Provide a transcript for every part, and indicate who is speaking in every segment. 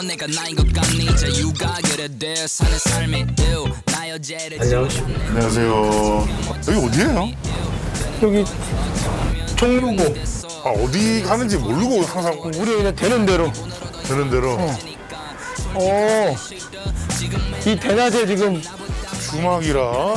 Speaker 1: 넌 내가 나인 것 같니 자유가 그래 돼 사는 삶이 나 여자를
Speaker 2: 안녕하세요. 여기 어디예요?
Speaker 3: 여기 종로고
Speaker 2: 아, 어디 가는지 모르고 항상
Speaker 3: 우리 그냥 되는 대로.
Speaker 2: 되는 대로
Speaker 3: 이 대낮에 지금
Speaker 2: 주막이라.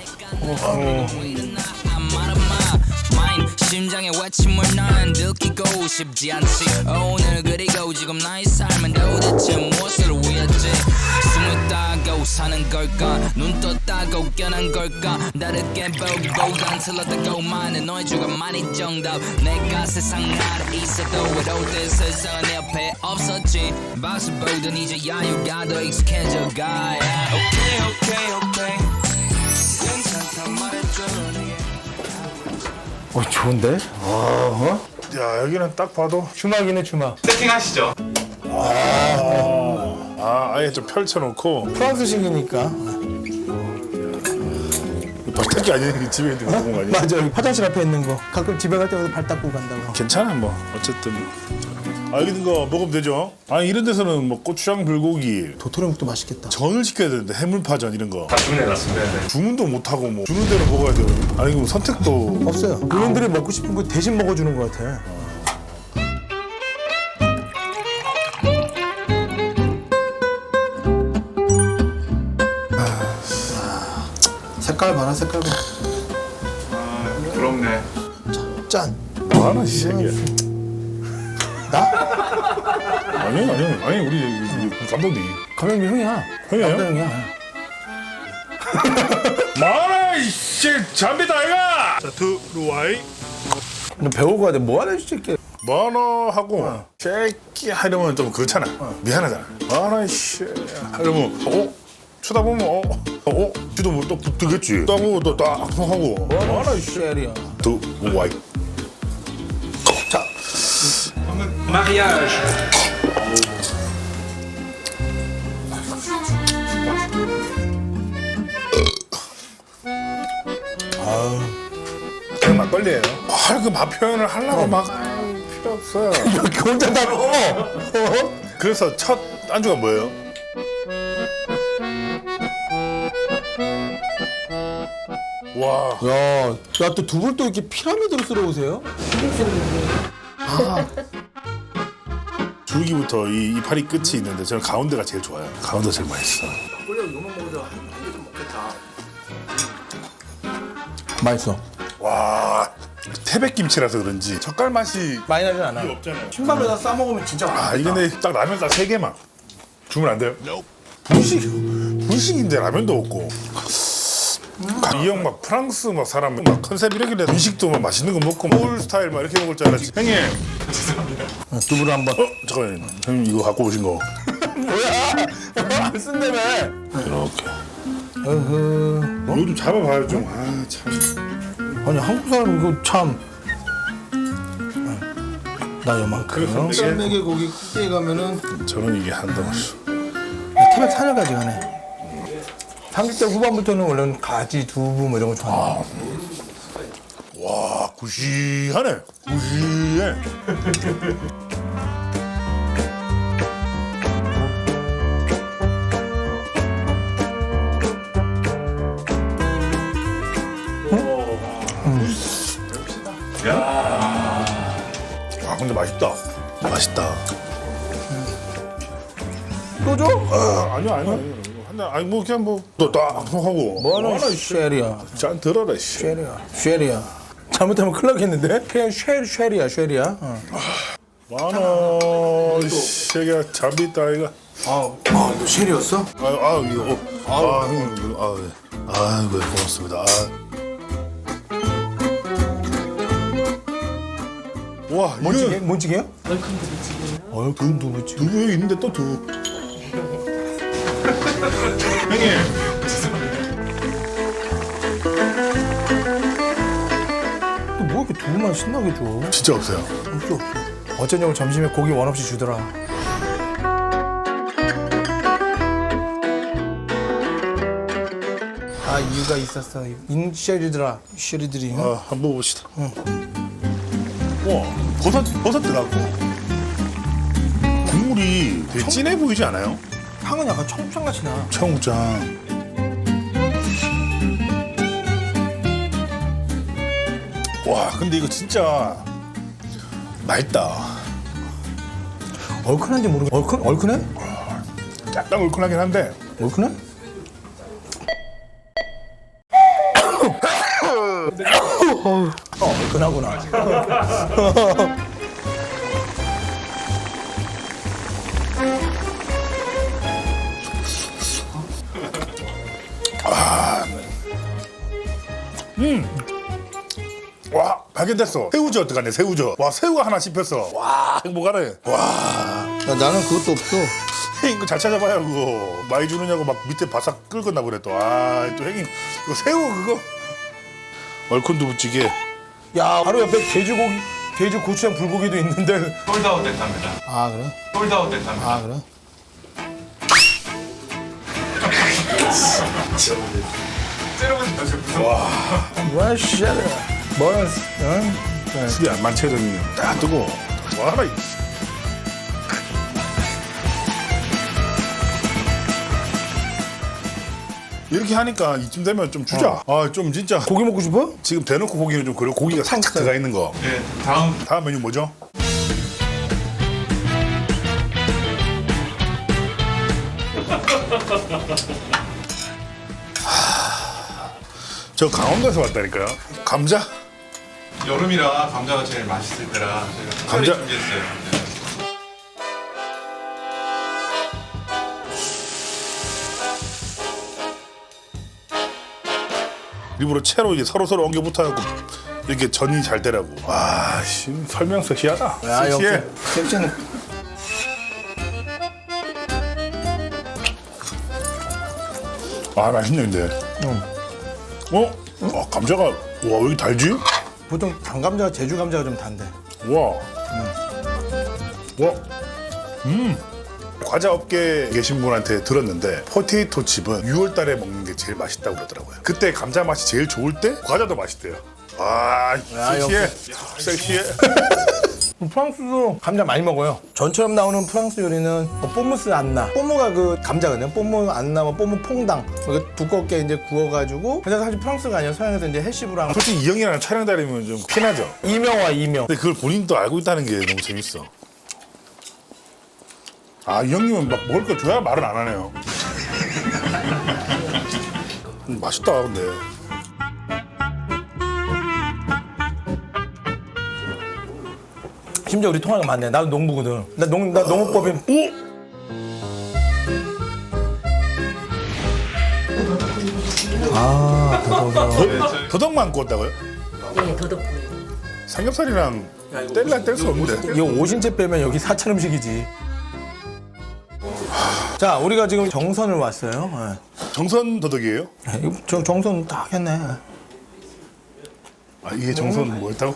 Speaker 1: 심장에 외침을 난 느끼고 싶지 않지 오늘 그리고 지금 나의 삶은 도대체 무엇을 위했지 숨을 따고 사는 걸까 눈 떴다고 깨난 걸까 다르게 보고 간슬렀다고 많은 너의 주관만이 정답 내가 세상 아래 있어도 외로울 세상은 내 옆에 없었지 박수 보던 이제 야유가 더 익숙해져가 오케이 괜찮다 말해줘
Speaker 3: 좋은데?
Speaker 2: 야, 여기는 딱 봐도
Speaker 3: 주막이네 주막.
Speaker 4: 세팅하시죠.
Speaker 2: 아예 좀 펼쳐놓고
Speaker 3: 프랑스식이니까.
Speaker 2: 밖에 아니니 집에 있는 거 보는 거 아니야?
Speaker 3: 맞아 여기 화장실 앞에 있는 거. 가끔 집에 갈 때마다 발 닦고 간다고.
Speaker 2: 괜찮아 뭐 어쨌든. 여기 있는 거 먹으면 되죠. 이런 데서는 뭐 고추장 불고기
Speaker 3: 도토리묵도 맛있겠다.
Speaker 2: 전을 시켜야 되는데 해물파전 이런 거
Speaker 4: 다 주문해놨습니다. 네.
Speaker 2: 주문도 못하고 뭐 주는 대로 먹어야 돼요. 아니 그럼 선택도
Speaker 3: 없어요. 그분들이 먹고 싶은 거 대신 먹어주는 것 같아. 색깔 봐라 색깔 봐.
Speaker 4: 부럽네.
Speaker 3: 짠.
Speaker 2: 뭐하나 이 새끼야.
Speaker 3: 나?
Speaker 2: 아니 우리 감독님
Speaker 3: 감독님 형이야.
Speaker 2: 형이에요?
Speaker 3: 남자 형이야.
Speaker 2: 마라 이씨 잠비다 아이가. 자 들어와이.
Speaker 3: 너 배우고 가야 돼. 뭐 하는 새끼.
Speaker 2: 마나하고 새끼 하려면 좀 그렇잖아. 미안하잖아. 마나 이씨 하려면 쳐다보면 지도 뭐또 붙겠지. 따고 또딱 하고 마나 이씨
Speaker 3: 쉐리야.
Speaker 2: 들어와이.
Speaker 4: 마리아주.
Speaker 2: 그냥 막걸리예요. 그 맛 표현을 하려고 막 필요 없어요.
Speaker 3: 이렇게 혼자 다 먹어.
Speaker 2: 그래서 첫 안주가 뭐예요? 와,
Speaker 3: 야, 또 두 분 또 이렇게 피라미드로 쓸어오세요?
Speaker 2: 줄기부터 이 이파리 끝이 있는데 저는 가운데가 제일 좋아요. 가운데 제일 맛있어.
Speaker 3: 맛있어.
Speaker 2: 와, 태백김치라서 그런지 젓갈 맛이
Speaker 3: 많이 나진 않아.
Speaker 2: 없잖아요.
Speaker 3: 신밥에다 싸 먹으면 진짜 맛있다.
Speaker 2: 이게 근데 딱 라면 딱 3개만 주면 안 돼요? 분식인데 라면도 없고. 이 형 막 프랑스 막 사람 막 컨셉 이렇게 음식도 막 맛있는 거 먹고 올 스타일 막 이렇게 먹을 줄 알았지. 형님,
Speaker 3: 두부를 한번.
Speaker 2: 잠깐만, 형님 이거 갖고 오신 거
Speaker 3: 뭐야? 안 쓴다며.
Speaker 2: 이렇게.
Speaker 3: 어허.
Speaker 2: 이거 좀 잡아봐요 좀. 참.
Speaker 3: 아니 한국 사람 이거 참. 나 요만큼. 썰매기 고기 크게 가면은
Speaker 2: 저는 이게 한 덩어리.
Speaker 3: 태백 산여가지 가네. 30대 후반부터는 원래는 가지, 두부 뭐 이런 거 좋아해.
Speaker 2: 와, 구시하네. 구시해. 근데 맛있다. 맛있다.
Speaker 3: 또 줘?
Speaker 2: 아니요. 아니 뭐 그냥 뭐또딱 하고.
Speaker 3: 뭐하는 쉐리야.
Speaker 2: 짠 들어라 씨.
Speaker 3: 쉐리야. 잘못하면 큰일 나겠는데? 그냥 쉐리야.
Speaker 2: 많아. 새끼야 잠이 있다 이거.
Speaker 3: 너 쉐리였어?
Speaker 2: 이거. 형님 아이고 고맙습니다. 와
Speaker 3: 뭔찌개?
Speaker 2: 이거
Speaker 3: 뭔찌개요? 얼큰 두부찌개.
Speaker 2: 두부 여기 있는데 또 두부. 형님.
Speaker 3: 뭐 이렇게 두부만 신나게 줘?
Speaker 2: 진짜 없어요.
Speaker 3: 없어. 어쩐냐고 점심에 고기 원 없이 주더라. 이유가 있었어. 쉐리들아, 쉐리들이.
Speaker 2: 한번 먹어봅시다. 와 버섯 들어가고 국물 국물이 되게 진해 보이지 않아요?
Speaker 3: 향은 약간 청국장같이 나.
Speaker 2: 청국장. 와, 근데 이거 진짜 맛있다.
Speaker 3: 얼큰한지 모르겠어. 얼큰해?
Speaker 2: 약간 얼큰하긴 한데
Speaker 3: 얼큰해? 얼큰하구나.
Speaker 2: 와, 발견됐어. 새우젓 어떡하네, 새우젓. 와, 새우가 하나 씹혔어. 와, 행복하네. 와,
Speaker 3: 야, 나는 그것도 없어.
Speaker 2: 이거 잘 찾아봐요, 그거. 많이 주느냐고 막 밑에 바싹 끓거나 그래, 또. 아, 또 형님, 이거 새우 그거. 얼큰 두부찌개.
Speaker 3: 야, 바로 옆에 돼지고기, 돼지 고추장 불고기도 있는데.
Speaker 4: 솔드아웃 됐답니다.
Speaker 3: 아, 그래?
Speaker 4: 솔드아웃 됐답니다.
Speaker 3: 아, 그래?
Speaker 4: 찌르면 다시 무서워.
Speaker 3: 와, 씨. 뭐야, 응?
Speaker 2: 술이 안 만체더니 딱 뜨고. 와라, 이. 이렇게 하니까 이쯤 되면 좀 주자. 아, 좀 진짜.
Speaker 3: 고기 먹고 싶어?
Speaker 2: 지금 대놓고 고기는 좀 그리고 고기가 살짝 들어가 있는 거.
Speaker 4: 네, 다음
Speaker 2: 다음 메뉴 뭐죠? 저 강원도에서 왔다니까요. 감자?
Speaker 4: 여름이라 감자가 제일 맛있을 때라 저희가 특별히
Speaker 2: 감자?
Speaker 4: 준비했어요. 네.
Speaker 2: 일부러 채로 이게 서로 엉겨 붙어갖고 이렇게 전이 잘 되라고. 와, 씨, 설명 섹시하다.
Speaker 3: 야,
Speaker 2: 섹시해.
Speaker 3: 역시. 섹시는.
Speaker 2: 아, 맛있네 근데. 감자가 와, 왜 이렇게 달지?
Speaker 3: 보통 단감자가 제주 감자가 좀 단데.
Speaker 2: 와. 와. 과자 업계에 계신 분한테 들었는데 포테이토 칩은 6월 달에 먹는 게 제일 맛있다고 그러더라고요. 그때 감자 맛이 제일 좋을 때 과자도 맛있대요. 아, 섹시해. 섹시해.
Speaker 3: 프랑스도 감자 많이 먹어요. 전처럼 나오는 프랑스 요리는 뽀무스 안나. 뽀무가 그 감자거든요. 뽀무 안나, 뽀무 퐁당. 이거 두껍게 이제 구워가지고. 근데 사실 프랑스가 아니라 서양에서 이제 해시브랑.
Speaker 2: 솔직히 이 형이랑 촬영 다니면 좀 피나죠.
Speaker 3: 이명화 이명.
Speaker 2: 근데 그걸 본인도 알고 있다는 게 너무 재밌어. 아, 이 형님은 막 먹을 거 줘야 말을 안 하네요. 맛있다, 근데.
Speaker 3: 심지어 우리 통화가 많네. 나도 농부거든. 나 농업법인. 아,
Speaker 2: 더덕만 구웠다고요?
Speaker 5: 네, 더덕구이.
Speaker 2: 삼겹살이랑 뗄 수 없는데.
Speaker 3: 이거 5신째 빼면 여기 4차 음식이지. 자, 우리가 지금 정선을 왔어요.
Speaker 2: 정선 더덕이에요?
Speaker 3: 네. 이거 저 정선 딱 했네.
Speaker 2: 아, 이게 정선 뭐였다고?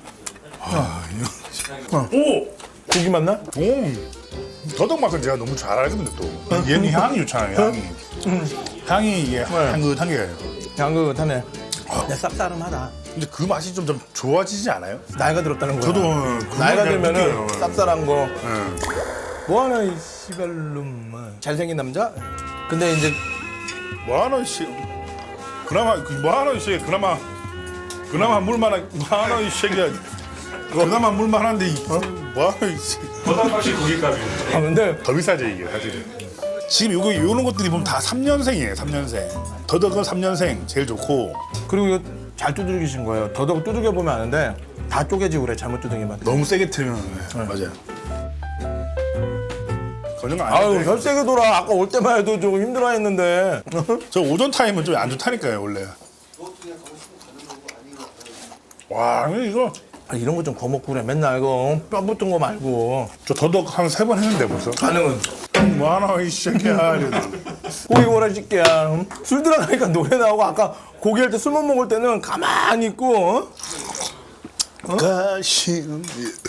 Speaker 3: 오! 고기 맛나?
Speaker 2: 더덕 맛은 제가 너무 잘 알거든요, 또. 얘는 향이 좋잖아요, 향이. 향이 이게 향긋한 게.
Speaker 3: 양극하네. 근데 쌉싸름하다.
Speaker 2: 근데 그 맛이 좀 좋아지지 않아요?
Speaker 3: 나이가 들었다는 거야.
Speaker 2: 저도
Speaker 3: 나이가
Speaker 2: 그냥
Speaker 3: 들면은
Speaker 2: 느껴요.
Speaker 3: 쌉쌀한 거.
Speaker 2: 예.
Speaker 3: 뭐하나 이 씨발놈. 잘생긴 남자? 근데 이제
Speaker 2: 뭐하노 씨. 그나마 뭐하노 씨. 그나마 물만한 뭐하노 이 새끼야. 그나마 물만한데 뭐하노 씨.
Speaker 4: 버섯값이 고기값이에요.
Speaker 3: 아 근데
Speaker 2: 더 비싸죠 이게 사실은. 지금 요런 것들이 보면 다 3년생이에요. 3년생. 더덕은 3년생 제일 좋고.
Speaker 3: 그리고 이거 잘 두들기신 거예요. 더덕 두들겨 보면 아는데 다 쪼개지고 그래. 잘못 두들기면.
Speaker 2: 너무 세게 틀면 맞아요. 그런 거
Speaker 3: 아유
Speaker 2: 아닌데.
Speaker 3: 혈세게 돌아. 아까 올 때만 해도 조금 힘들어했는데.
Speaker 2: 저 오전 타임은 좀 안 좋다니까요 원래. 와 이거
Speaker 3: 아, 이런 거 좀 거먹고 그래. 맨날 이거 뼈 붙은 거 말고.
Speaker 2: 저 더덕 한 3번 했는데 벌써.
Speaker 3: 가능은
Speaker 2: 뭐하나 이 새끼야.
Speaker 3: 고기 구워라 새끼야. 술 들어가니까 노래 나오고 아까 고기 할 때 술 못 먹을 때는 가만히 있고.
Speaker 2: 가시음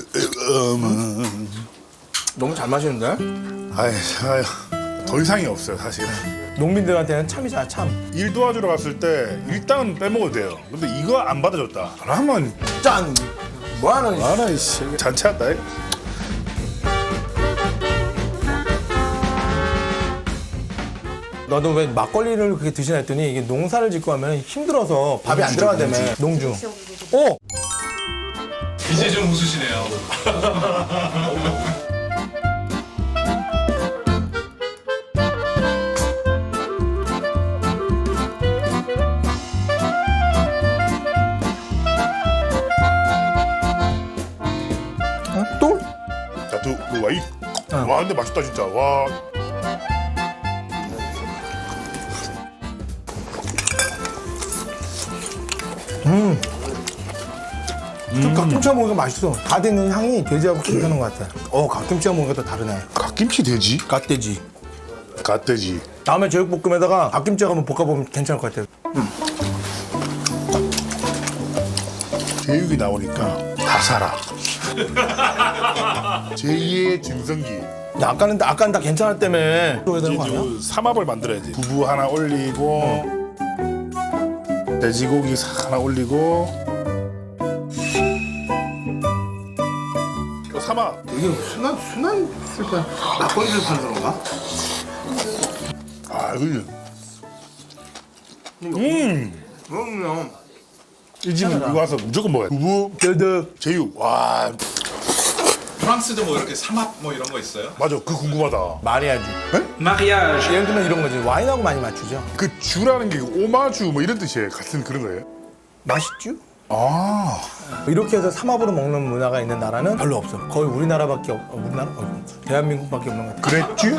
Speaker 3: 너무 잘 마시는데?
Speaker 2: 아유 더 이상이 없어요 사실은.
Speaker 3: 농민들한테는 참이잖아 참.
Speaker 2: 일 도와주러 갔을 때 일당은 빼먹어도 돼요. 근데 이거 안 받아줬다. 그러면
Speaker 3: 짠! 뭐하는
Speaker 2: 뭐하나 이 새끼 잔치한다.
Speaker 3: 너도 왜 막걸리를 그렇게 드시나 했더니 이게 농사를 짓고 하면 힘들어서 밥이 안 들어간다며. 농주. 오!
Speaker 4: 이제 좀 웃으시네요.
Speaker 3: 또?
Speaker 2: 자, 와이. 와, 근데 맛있다 진짜. 와.
Speaker 3: 갓김치와 먹으니까 맛있어. 다 되는 향이 돼지하고 괜찮은 것 같아. 갓김치와 먹으니까 또 다르네.
Speaker 2: 갓김치 돼지?
Speaker 3: 갓돼지.
Speaker 2: 갓돼지.
Speaker 3: 다음에 제육볶음에다가 갓김치하고 한번 볶아보면 괜찮을 것 같아.
Speaker 2: 제육이 나오니까 다 살아. 제2의 증성기.
Speaker 3: 야, 아까는 다 괜찮았다며. 해야 되는 거 아니야?
Speaker 2: 이제 삼합을 만들어야지. 두부 하나 올리고 돼지고기 하나 올리고 삼합.
Speaker 3: 이게 순한 쓸까? 막걸리를 파는 건가?
Speaker 2: 아 이거
Speaker 3: 그럼요.
Speaker 2: 이 집은 이거 와서 무조건 먹어야 돼. 두부,
Speaker 3: 덜덜.
Speaker 2: 제육. 와
Speaker 4: 프랑스도 뭐 이렇게 삼합 뭐 이런 거 있어요?
Speaker 2: 맞아. 그 궁금하다.
Speaker 3: 말해야지.
Speaker 1: mariage
Speaker 3: 예를 들면 이런 거지. 와인하고 많이 맞추죠.
Speaker 2: 그 주라는 게 오마주 뭐 이런 뜻이에요. 같은 그런 거예요?
Speaker 3: 맛있죠?
Speaker 2: 아
Speaker 3: 이렇게 해서 삼합으로 먹는 문화가 있는 나라는 별로 없어. 거의 우리나라밖에 우리나라? 대한민국밖에 없는 것 같아.
Speaker 2: 그랬지?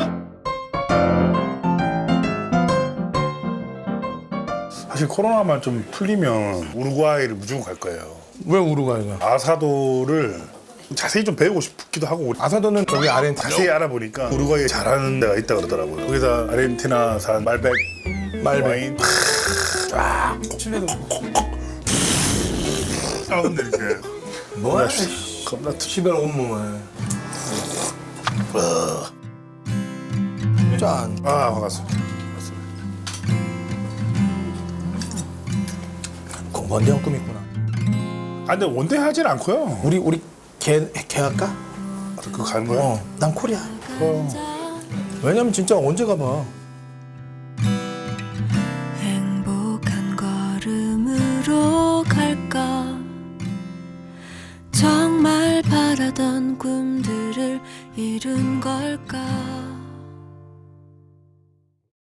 Speaker 2: 사실 코로나만 좀 풀리면 우루과이를 무조건 갈 거예요.
Speaker 3: 왜 우루과이가?
Speaker 2: 아사도를 자세히 좀 배우고 싶기도 하고
Speaker 3: 아사도는 저기 아르헨티나.
Speaker 2: 자세히 알아보니까 우루과이에 잘하는 데가 있다 그러더라고요. 거기다 아르헨티나산 말백 와인 쫙
Speaker 3: 칠레도
Speaker 2: 사운드 이렇게
Speaker 3: 뭐야?
Speaker 2: 겁나 트
Speaker 3: 시벨 온몸을. 짠.
Speaker 2: 아 반갑습니다.
Speaker 3: 원대한 꿈 있구나.
Speaker 2: 아 근데 원대하진 않고요.
Speaker 3: 우리 개 할까?
Speaker 2: 그거 가는 거예요?
Speaker 3: 난 코리아. 왜냐면 진짜 언제 가봐.